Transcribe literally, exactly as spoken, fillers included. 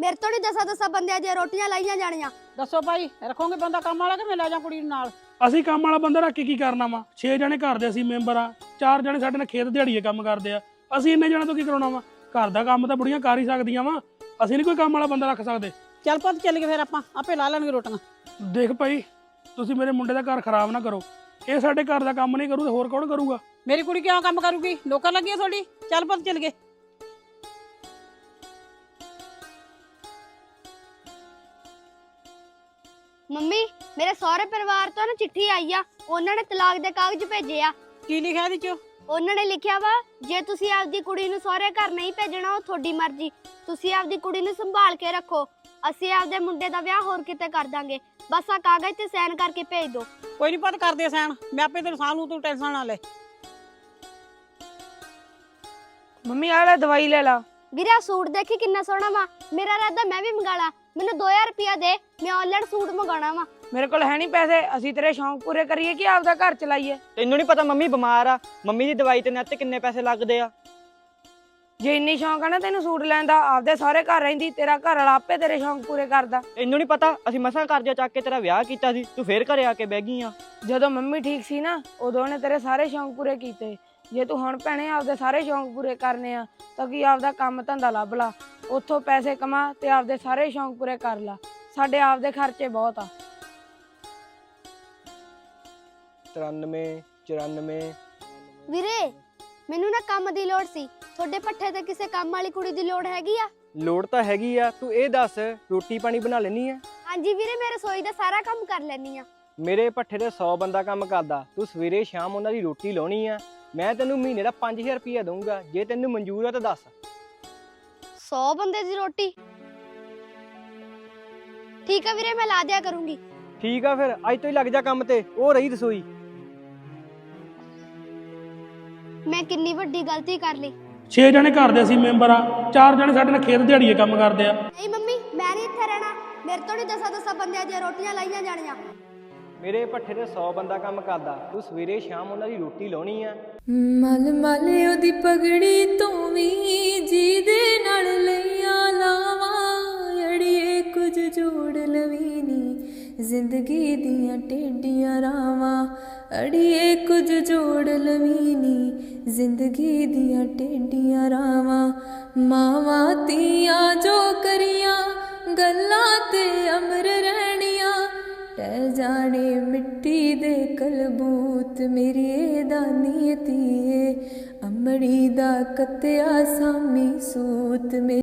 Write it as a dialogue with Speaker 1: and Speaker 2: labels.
Speaker 1: मेरे तो नहीं दसा दसा बंदे दी रोटियां लाइयां जानियां।
Speaker 2: दसो भाई रखोगे बंदा काम वाला कि मैं ले जा कुड़ी नाल?
Speaker 3: ਅਸੀਂ ਕੰਮ ਵਾਲਾ ਬੰਦਾ ਰੱਖ ਕੇ ਕੀ ਕਰਨਾ ਵਾ? ਛੇ ਜਣੇ ਘਰ ਦੇ ਅਸੀਂ ਮੈਂਬਰ ਆ, ਚਾਰ ਜਣੇ ਸਾਡੇ ਨਾਲ ਖੇਤ ਦਿਹਾੜੀਏ ਕੰਮ ਕਰਦੇ ਆ। ਅਸੀਂ ਇੰਨੇ ਜਣੇ ਤੋਂ ਕੀ ਕਰਾਉਣਾ ਵਾ? ਘਰ ਦਾ ਕੰਮ ਤਾਂ ਬੁੜੀਆਂ ਕਰ ਹੀ ਸਕਦੀਆਂ ਵਾ, ਅਸੀਂ ਨਹੀਂ ਕੋਈ ਕੰਮ ਵਾਲਾ ਬੰਦਾ ਰੱਖ ਸਕਦੇ।
Speaker 2: ਚੱਲ ਪੁੱਤ ਚੱਲ ਗਏ ਫਿਰ ਆਪਾਂ ਆਪੇ ਲਾ ਲੈਣਗੇ ਰੋਟੀਆਂ।
Speaker 3: ਦੇਖ ਭਾਈ, ਤੁਸੀਂ ਮੇਰੇ ਮੁੰਡੇ ਦਾ ਘਰ ਖਰਾਬ ਨਾ ਕਰੋ। ਇਹ ਸਾਡੇ ਘਰ ਦਾ ਕੰਮ ਨਹੀਂ ਕਰੂ ਤੇ ਹੋਰ ਕੌਣ ਕਰੂਗਾ?
Speaker 2: ਮੇਰੀ ਕੁੜੀ ਕਿਉਂ ਕੰਮ ਕਰੂਗੀ? ਨੌਕਰ ਲੱਗੀ ਆ ਤੁਹਾਡੀ? ਚੱਲ ਪੁੱਤ ਚੱਲ ਗਏ।
Speaker 1: ਮੰਮੀ ਮੇਰੇ ਸਹੁਰੇ ਪਰਿਵਾਰ ਤੋਂ ਨਾ ਚਿੱਠੀ ਆਈ ਆ, ਉਹਨਾਂ ਨੇ ਤਲਾਕ ਦੇ ਕਾਗਜ਼ ਭੇਜੇ ਆ।
Speaker 2: ਕੀ ਲਿਖਿਆ ਇਹਦੇ ਚ?
Speaker 1: ਉਹਨਾਂ ਨੇ ਲਿਖਿਆ ਵਾ, ਜੇ ਤੁਸੀਂ ਆਪਦੀ ਕੁੜੀ ਨੂੰ ਸਹੁਰੇ ਘਰ ਨਹੀਂ ਭੇਜਣਾ ਉਹ ਤੁਹਾਡੀ ਮਰਜ਼ੀ, ਤੁਸੀਂ ਆਪਦੀ ਕੁੜੀ ਨੂੰ ਸੰਭਾਲ ਕੇ ਰੱਖੋ, ਅਸੀਂ ਆਪਦੇ ਮੁੰਡੇ ਦਾ ਵਿਆਹ ਹੋਰ ਕਿਤੇ ਕਰ ਦਾਂਗੇ, ਬਸ ਆ ਕਾਗਜ਼ ਤੇ ਸਾਈਨ ਕਰਕੇ ਭੇਜ ਦਿਓ।
Speaker 2: ਕੋਈ ਨਹੀਂ ਪੁੱਤ ਕਰਦੇ ਸੈਨ, ਮੈਂ ਆਪੇ ਤੈਨੂੰ ਸਾਂਭ ਲੂ, ਤੂੰ ਟੈਨਸ਼ਨ ਨਾ ਲੈ।
Speaker 4: ਮੰਮੀ ਆ ਲੈ ਦਵਾਈ ਲੈ ਲਾ।
Speaker 1: ਵੀਰਾ ਸੂਟ ਦੇਖੀ ਕਿੰਨਾ ਸੋਹਣਾ ਵਾ, ਮੇਰਾ ਇਰਾਦਾ ਮੈਂ ਵੀ ਮੰਗਾ ਲਾ, ਮੈਨੂੰ ਦੋ ਹਜ਼ਾਰ ਰੁਪਇਆ ਦੇ, ਮੈਂ ਆਨਲਾਈਨ ਸੂਟ ਮੰਗਾਉਣਾ ਵਾ।
Speaker 4: ਮੇਰੇ ਕੋਲ ਹੈ ਨਹੀਂ ਪੈਸੇ, ਅਸੀਂ ਤੇਰੇ ਸ਼ੌਂਕ ਪੂਰੇ ਕਰੀਏ ਕਿ ਆਪਦਾ ਘਰ ਚਲਾਈਏ?
Speaker 5: ਤੈਨੂੰ ਨਹੀਂ ਪਤਾ ਮੰਮੀ ਬਿਮਾਰ ਆ, ਮੰਮੀ ਦੀ ਦਵਾਈ ਤੇ ਨੱਤ ਕਿੰਨੇ ਪੈਸੇ ਲੱਗਦੇ ਆ।
Speaker 4: ਜੇ ਇੰਨੀ ਸ਼ੌਂਕ ਆ ਨਾ ਤੈਨੂੰ ਸੂਟ ਲੈਣ ਦਾ, ਆਪਦੇ ਸਾਰੇ ਘਰ ਰਹਿੰਦੀ, ਤੇਰਾ ਘਰ ਵਾਲਾ ਆਪੇ ਤੇਰੇ ਸ਼ੌਂਕ ਪੂਰੇ ਕਰਦਾ।
Speaker 5: ਤੈਨੂੰ ਨਹੀਂ ਪਤਾ ਅਸੀਂ ਮਸਾਂ ਕਰਜ਼ਾ ਚੱਕ ਕੇ ਤੇਰਾ ਵਿਆਹ ਕੀਤਾ ਸੀ, ਤੂੰ ਫੇਰ ਘਰੇ ਆ ਕੇ ਬਹਿ ਗਈ ਆ।
Speaker 4: ਜਦੋਂ ਮੰਮੀ ਠੀਕ ਸੀ ਨਾ, ਉਦੋਂ ਨੇ ਤੇਰੇ ਸਾਰੇ ਸ਼ੌਂਕ ਪੂਰੇ ਕੀਤੇ। ਜੇ ਤੂੰ ਹੁਣ ਭੈਣੇ ਆਪਦੇ ਸਾਰੇ ਸ਼ੌਂਕ ਪੂਰੇ ਕਰਨੇ ਆ ਤਾਂ ਕੀ ਆਪਦਾ ਕੰਮ ਧੰਦਾ ਲੱਭ ਲਾ, ਉੱਥੋਂ ਪੈਸੇ ਕਮਾ ਤੇ ਆਪਦੇ ਸਾਰੇ ਸ਼ੌਂਕ ਪੂਰੇ ਕਰ ਲਾ। ਸਾਡੇ ਆਪਦੇ ਖਰਚੇ ਬਹੁਤ ਆ।
Speaker 5: ਤਰਾਨਵੇਂ ਚੁਰਾਨਵੇਂ।
Speaker 1: ਵੀਰੇ ਮੈਨੂੰ ਨਾ ਕੰਮ ਦੀ ਲੋੜ ਸੀ, ਤੁਹਾਡੇ ਪੱਠੇ ਤੇ ਕਿਸੇ ਕੰਮ ਵਾਲੀ ਕੁੜੀ ਦੀ ਲੋੜ ਹੈਗੀ ਆ?
Speaker 5: ਲੋੜ ਤਾਂ ਹੈਗੀ ਆ, ਤੂੰ ਇਹ ਦੱਸ ਰੋਟੀ ਪਾਣੀ ਬਣਾ ਲੈਣੀ ਆ?
Speaker 1: ਹਾਂਜੀ ਵੀਰੇ, ਮੈਂ ਰਸੋਈ ਦਾ ਸਾਰਾ ਕੰਮ ਕਰ ਲੈਣੀ ਆ।
Speaker 5: ਮੇਰੇ ਪੱਠੇ ਤੇ ਸੌ ਬੰਦਾ ਕੰਮ ਕਰਦਾ, ਤੂੰ ਸਵੇਰੇ ਸ਼ਾਮ ਉਹਨਾਂ ਦੀ ਰੋਟੀ ਲਾਉਣੀ ਆ। ਮੈਂ ਤੈਨੂੰ ਮਹੀਨੇ ਦਾ ਪੰਜ ਹਜ਼ਾਰ ਰੁਪਇਆ ਦਊਂਗਾ, ਜੇ ਤੈਨੂੰ ਮਨਜ਼ੂਰ ਆ ਤਾਂ ਦੱਸ।
Speaker 1: ਸੌ ਬੰਦੇ ਦੀ ਰੋਟੀ? ਠੀਕ ਆ ਵੀਰੇ, ਮੈਂ ਲਾ ਦਿਆ ਕਰੂੰਗੀ।
Speaker 5: ਠੀਕ ਆ ਫਿਰ ਅੱਜ ਤੋਂ ਹੀ ਲੱਗ ਜਾ ਕੰਮ ਤੇ, ਉਹ ਰਹੀ ਰਸੋਈ।
Speaker 1: ਮੈਂ ਕਿੰਨੀ ਵੱਡੀ ਗਲਤੀ ਕਰ ਲਈ।
Speaker 3: ਛੇ ਜਣੇ ਘਰ ਦੇ ਅਸੀਂ ਮੈਂਬਰ ਆ, ਚਾਰ ਜਣੇ ਸਾਡੇ ਨਾਲ ਖੇਤ ਦਿਹਾੜੀਏ ਕੰਮ ਕਰਦੇ ਆ।
Speaker 1: ਨਹੀਂ ਮੰਮੀ, ਮੈਂ ਨਹੀਂ ਇੱਥੇ ਰਹਿਣਾ, ਮੇਰੇ ਤੋਂ ਨਹੀਂ ਦਸਾਂ ਦਸਾਂ ਬੰਦਿਆਂ ਦੀਆਂ ਰੋਟੀਆਂ ਲਾਈਆਂ ਜਾਣੀਆਂ।
Speaker 5: ਮੇਰੇ ਪੱਠੇ ਤੇ ਸੌ ਬੰਦਾ ਕੰਮ ਕਰਦਾ, ਤੂੰ ਸਵੇਰੇ ਸ਼ਾਮ ਉਹਨਾਂ ਦੀ ਰੋਟੀ ਲਾਉਣੀ ਆ।
Speaker 6: ਮਲ ਮਲ ਉਹਦੀ ਪਗੜੀ ਤੋਂ ਵੀ ਜਿਹਦੇ ਨਾਲ ਲਈਆਂ ਲਾਵਾਂ, ਅੜੀਏ ਕੁਝ ਜੋੜ ਲਵੀ ਨੀ ਜ਼ਿੰਦਗੀ ਦੀਆਂ ਟੇਡੀਆਂ ਰਾਵਾਂ, ਅੜੀਏ ਕੁਝ ਜੋੜ ਲਵੀ ਨੀ ਜ਼ਿੰਦਗੀ ਦੀਆਂ ਟੇਡੀਆਂ ਰਾਵਾਂ। ਮਾਵਾਂ ਧੀਆਂ ਜੋ ਕਰੀਆਂ ਗੱਲਾਂ ਤੇ ਅਮਰ ਰਹਿਣੀਆਂ, ਟਹਿ ਜਾਣੇ ਮਿੱਟੀ ਦੇ ਕਲਬੂਤ, ਮੇਰੀ ਇਹ ਦਾਨੀ ਧੀਏ ਅਮੜੀ ਦਾ ਕੱਤਿਆ ਸਾਮੀ ਸੂਤ।